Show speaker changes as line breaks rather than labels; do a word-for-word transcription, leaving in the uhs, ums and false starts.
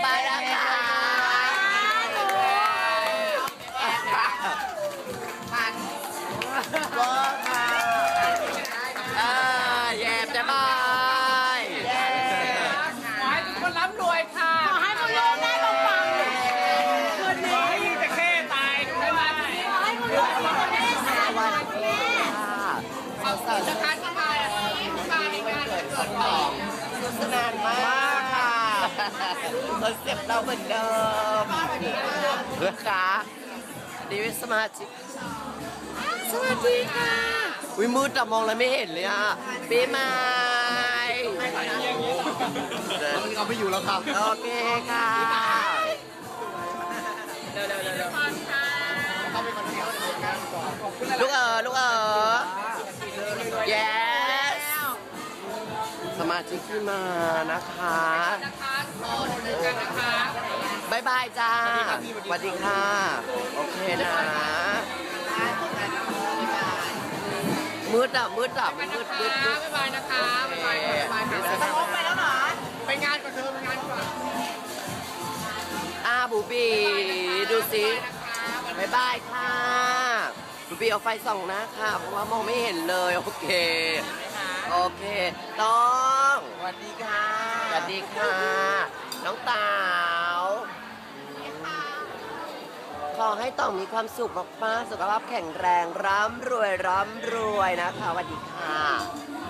บายนะคะว้าค่ะอ่าแย่จะบายขอให้ทุกคนร่ำรวยค่ะขอให้มึงรวยได้ลงฟังคืนนี้ขอให้จะแค่ตายได้ไหมขอให้มึงรวยได้สวัสดีค่ะเอาสาวจะคัดมามาในงานเกิดของสุสนานมากค่ะคอนเซ็ปต์เราเหมือนเดิมเพื่อค่ะดีวิสมาชิกสวัสดีค่ะวิมืดแต่มองแล้วไม่เห็นเลยอ่ะปีใหม่
เอาไม่อยู่แล้วครับ
โอเคค่ะลูกเอ๋อลูกเอ๋อ yes สมาชิกที่มานะคะบายบายจ้าสวัสดีค่ะโอเคนะมืดอ่ะมืดอ่ะมืดมืดมืดบายบายนะคะบายบายบายจะลงไปแล้วเหรอไปงานก่อนเธอไปงานก่อนอาบูบีดูสิบายบายค่ะบูบีเอาไฟส่องนะค่ะเพราะว่ามองไม่เห็นเลยโอเคโอเคต้องสวัสดีค่ะสวัสดีค่ะน้องเต๋าขอให้ต้องมีความสุขมากๆสุขภาพแข็งแรงร่ำรวยร่ำรวยนะคะสวัสดีค่ะ